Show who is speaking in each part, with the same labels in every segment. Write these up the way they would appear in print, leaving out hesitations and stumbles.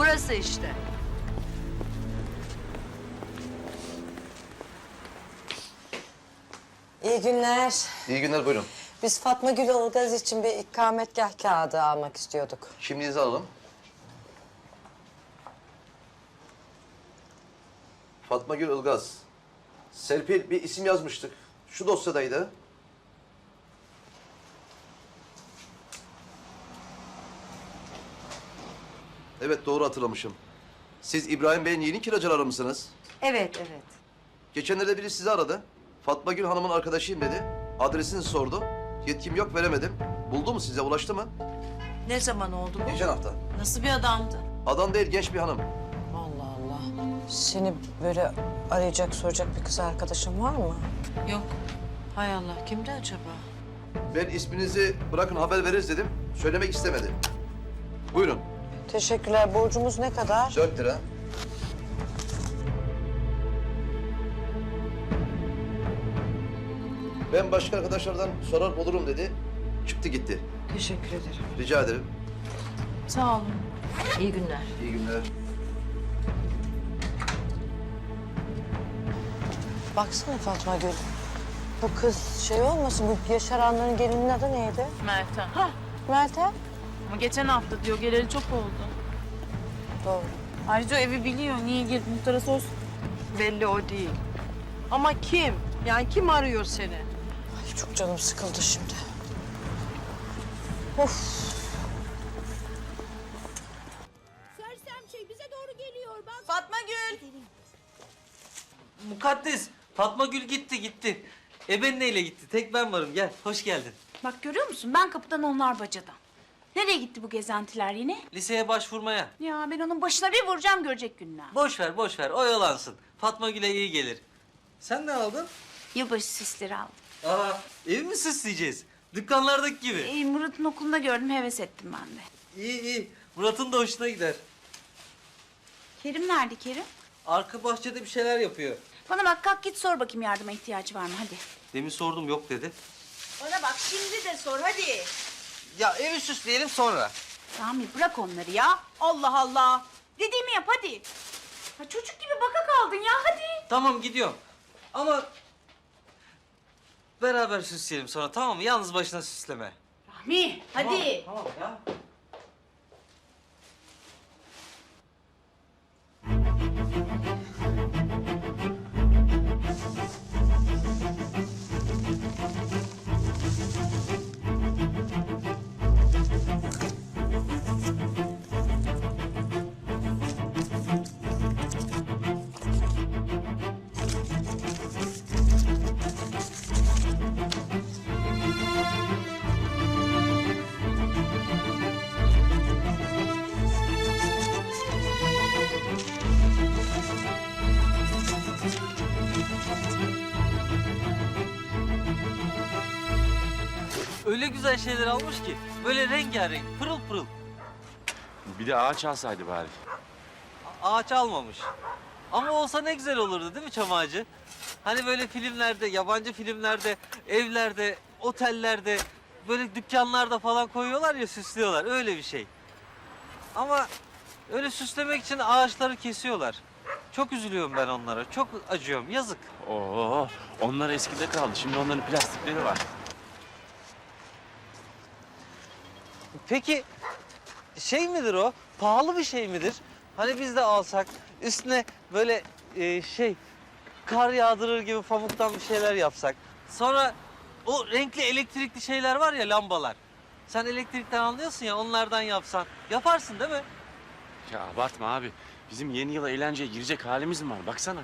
Speaker 1: Burası işte.
Speaker 2: İyi günler.
Speaker 3: İyi günler, buyurun.
Speaker 2: Biz Fatma Gül Ilgaz için bir ikametgah kağıdı almak istiyorduk.
Speaker 3: Kimliğinizi alalım. Fatma Gül Ilgaz. Serpil, bir isim yazmıştık. Şu dosyadaydı. Evet, doğru hatırlamışım. Siz İbrahim Bey'in yeni kiracıları mısınız?
Speaker 1: Evet, evet.
Speaker 3: Geçenlerde biri sizi aradı. Fatma Gül Hanım'ın arkadaşıyım dedi. Adresini sordu. Yetkim yok, veremedim. Buldu mu size, ulaştı mı?
Speaker 1: Ne zaman oldu bu?
Speaker 3: Geçen hafta.
Speaker 1: Nasıl bir adamdı?
Speaker 3: Adam değil, genç bir hanım.
Speaker 2: Allah Allah. Seni böyle arayacak, soracak bir kız arkadaşın var mı?
Speaker 1: Yok. Hay Allah, kimdi acaba?
Speaker 3: Ben isminizi bırakın haber veririz dedim. Söylemek istemedi. Buyurun.
Speaker 2: Teşekkürler. Borcumuz ne kadar?
Speaker 3: 4 lira. Ben başka arkadaşlardan sorar olurum dedi. Çıktı gitti.
Speaker 2: Teşekkür ederim.
Speaker 3: Rica ederim.
Speaker 1: Sağ olun. İyi günler.
Speaker 3: İyi günler.
Speaker 2: Baksana Fatma Gül. Bu kız şey olmasın, bu yaşaranların gelinin adı neydi?
Speaker 4: Meltem.
Speaker 2: Hah, Meltem.
Speaker 4: Ama geçen hafta diyor, geleli çok oldu.
Speaker 2: Doğru.
Speaker 4: Ayrıca o evi biliyor, niye girdi muhtara sorsun.
Speaker 1: Belli o değil. Ama kim? Yani kim arıyor seni?
Speaker 2: Ay, çok canım sıkıldı şimdi. Of.
Speaker 5: Sersem şey bize doğru geliyor bak.
Speaker 4: Fatma Gül.
Speaker 6: Mukaddes, Fatma Gül gitti. Neyle gitti? Tek ben varım. Gel, hoş geldin.
Speaker 5: Bak görüyor musun? Ben kapıdan onlar bacadan. Nereye gitti bu gezentiler yine?
Speaker 6: Liseye başvurmaya.
Speaker 5: Ya ben onun başına bir vuracağım görecek günler.
Speaker 6: Boş ver, oyalansın. Fatma Gül'e iyi gelir. Sen ne aldın?
Speaker 5: Yılbaşı süsleri aldım.
Speaker 6: Aa, evi mi süsleyeceğiz? Dükkanlardaki gibi.
Speaker 5: Murat'ın okulunda gördüm, heves ettim ben de.
Speaker 6: İyi. Murat'ın da hoşuna gider.
Speaker 5: Kerim nerede Kerim?
Speaker 6: Arka bahçede bir şeyler yapıyor.
Speaker 5: Bana bak, kalk git sor bakayım yardıma ihtiyacı var mı, hadi.
Speaker 6: Demin sordum, yok dedi.
Speaker 5: Bana bak, şimdi de sor hadi.
Speaker 6: Ya evi süsleyelim sonra.
Speaker 5: Sami bırak onları ya. Allah Allah. Dediğimi yap hadi. Ya çocuk gibi baka kaldın ya, hadi.
Speaker 6: Tamam, gidiyorum. Ama beraber süsleyelim sonra, tamam mı? Yalnız başına süsleme.
Speaker 5: Rahmi hadi.
Speaker 6: Tamam ya. Öyle güzel şeyler almış ki, böyle rengarenk, pırıl pırıl.
Speaker 7: Bir de ağaç alsaydı bari.
Speaker 6: Ağaç almamış. Ama olsa ne güzel olurdu değil mi çam ağacı? Hani böyle filmlerde, yabancı filmlerde, evlerde, otellerde, böyle dükkanlarda falan koyuyorlar ya, süslüyorlar. Öyle bir şey. Ama öyle süslemek için ağaçları kesiyorlar. Çok üzülüyorum ben onlara, çok acıyorum, yazık.
Speaker 7: Oo, onlar eskide kaldı. Şimdi onların plastikleri var.
Speaker 6: Peki şey midir o? Pahalı bir şey midir? Hani biz de alsak üstüne böyle kar yağdırır gibi pamuktan bir şeyler yapsak. Sonra o renkli elektrikli şeyler var ya, lambalar. Sen elektrikten anlıyorsun ya, onlardan yapsan. Yaparsın değil mi?
Speaker 7: Ya abartma abi. Bizim yeni yıla eğlenceye girecek halimiz mi var? Baksana.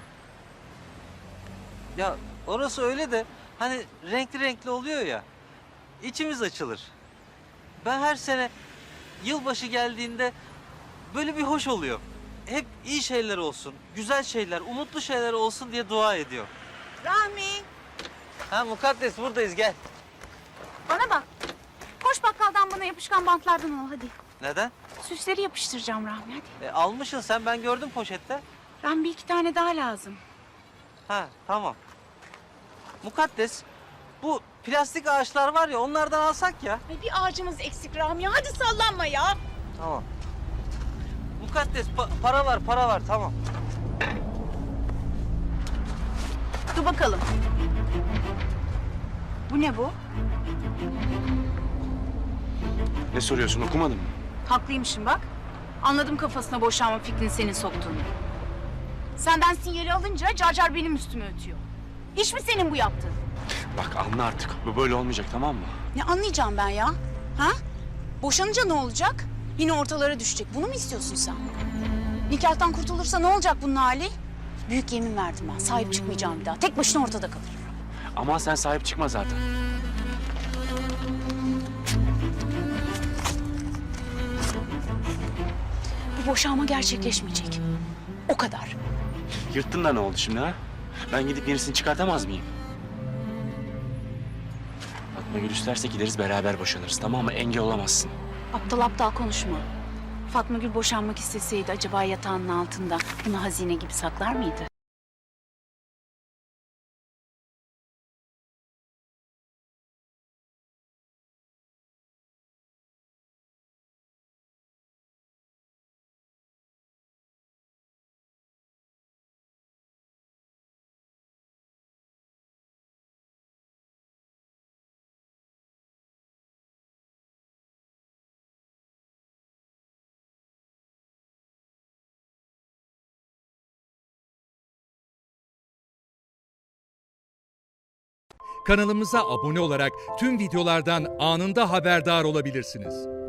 Speaker 6: Ya orası öyle de hani renkli renkli oluyor ya. İçimiz açılır. Ben her sene yılbaşı geldiğinde böyle bir hoş oluyor. Hep iyi şeyler olsun, güzel şeyler, umutlu şeyler olsun diye dua ediyor.
Speaker 1: Rahmi.
Speaker 6: Ha Mukaddes, buradayız, gel.
Speaker 5: Bana bak. Koş bakkaldan bana yapışkan bantlardan al hadi.
Speaker 6: Neden?
Speaker 5: Süsleri yapıştıracağım Rahmi hadi.
Speaker 6: Almışsın sen, ben gördüm poşette.
Speaker 5: Rahmi bir iki tane daha lazım.
Speaker 6: Ha tamam. Mukaddes, bu plastik ağaçlar var ya, onlardan alsak ya.
Speaker 5: Ay bir ağacımız eksik Rahmi, hadi sallanma ya.
Speaker 6: Tamam. mukaddes. Para var tamam.
Speaker 5: Dur bakalım. Bu ne bu?
Speaker 7: Ne soruyorsun, okumadın mı?
Speaker 5: Haklıymışım bak. Anladım kafasına boşanma fikrini senin soktuğunu. Senden sinyali alınca Carcar benim üstüme ötüyor. İş mi senin bu yaptığın?
Speaker 7: Bak anla artık. Bu böyle olmayacak, tamam mı?
Speaker 5: Ne anlayacağım ben ya? Ha? Boşanınca ne olacak? Yine ortalara düşecek. Bunu mu istiyorsun sen? Nikahtan kurtulursa ne olacak bunun hali? Büyük yemin verdim ben. Sahip çıkmayacağım bir daha. Tek başına ortada kalır.
Speaker 7: Ama sen sahip çıkma zaten.
Speaker 5: Bu boşanma gerçekleşmeyecek. O kadar.
Speaker 7: Yırttın da ne oldu şimdi ha? Ben gidip yenisini çıkartamaz mıyım? Fatma Gül isterse gideriz beraber boşanırız, tamam mı? Engel olamazsın.
Speaker 5: Aptal aptal konuşma. Fatma Gül boşanmak isteseydi acaba yatağının altında bunu hazine gibi saklar mıydı?
Speaker 8: Kanalımıza abone olarak tüm videolardan anında haberdar olabilirsiniz.